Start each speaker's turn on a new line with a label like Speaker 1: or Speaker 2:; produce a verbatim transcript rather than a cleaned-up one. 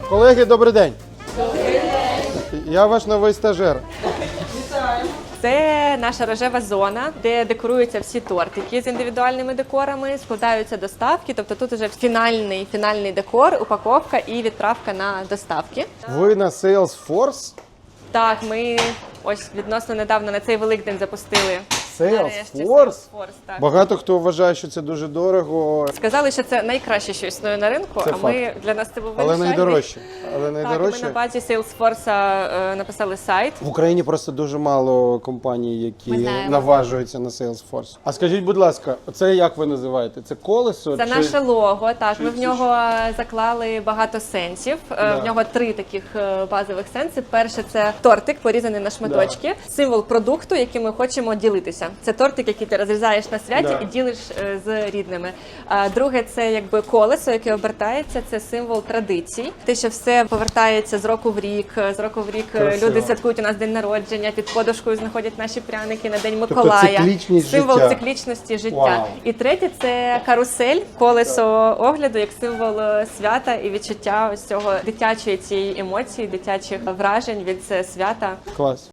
Speaker 1: Колеги, добрий день. Добрий день. Я ваш новий стажер.
Speaker 2: Це наша рожева зона, де декоруються всі тортики з індивідуальними декорами, складаються доставки, тобто тут вже фінальний, фінальний декор, упаковка і відправка на доставки.
Speaker 1: Ви на Salesforce?
Speaker 2: Так, ми ось відносно недавно на цей Великдень запустили. Нарешті
Speaker 1: Salesforce?
Speaker 2: Salesforce, так.
Speaker 1: Багато хто вважає, що це дуже дорого,
Speaker 2: Сказали, що це найкраще, що існує на ринку,
Speaker 1: Це
Speaker 2: а ми,
Speaker 1: факт.
Speaker 2: для нас це був
Speaker 1: але
Speaker 2: вирішальний.
Speaker 1: найдорожче. Але
Speaker 2: Так, ми
Speaker 1: найдорожче.
Speaker 2: на базі Salesforce е, написали сайт.
Speaker 1: В Україні просто дуже мало компаній, які
Speaker 2: Ми знаємо.
Speaker 1: наважуються на Salesforce. А скажіть, будь ласка, це як ви називаєте? Це колесо?
Speaker 2: Це
Speaker 1: чи...
Speaker 2: наше лого, так,
Speaker 1: чи-
Speaker 2: ми в
Speaker 1: чи-
Speaker 2: нього заклали багато сенсів. Е,
Speaker 1: Да.
Speaker 2: В нього три таких е, базових сенси. Перше – це тортик, порізаний на шматочки, символ продукту, яким ми хочемо ділитися. Це тортик, який ти розрізаєш на святі
Speaker 1: Да.
Speaker 2: і ділиш е, з рідними. А друге – це якби колесо, яке обертається, це символ традицій. Те, що все повертається з року в рік, з року в рік е,
Speaker 1: Красиво.
Speaker 2: люди святкують у нас день народження, під подушкою знаходять наші пряники на День
Speaker 1: Тобто
Speaker 2: Миколая.
Speaker 1: циклічність
Speaker 2: Символ
Speaker 1: життя.
Speaker 2: циклічності життя.
Speaker 1: Вау.
Speaker 2: І третє – це карусель, колесо огляду, як символ е, свята і відчуття ось цього дитячої цієї емоції, дитячих вражень від е, свята.
Speaker 1: Клас.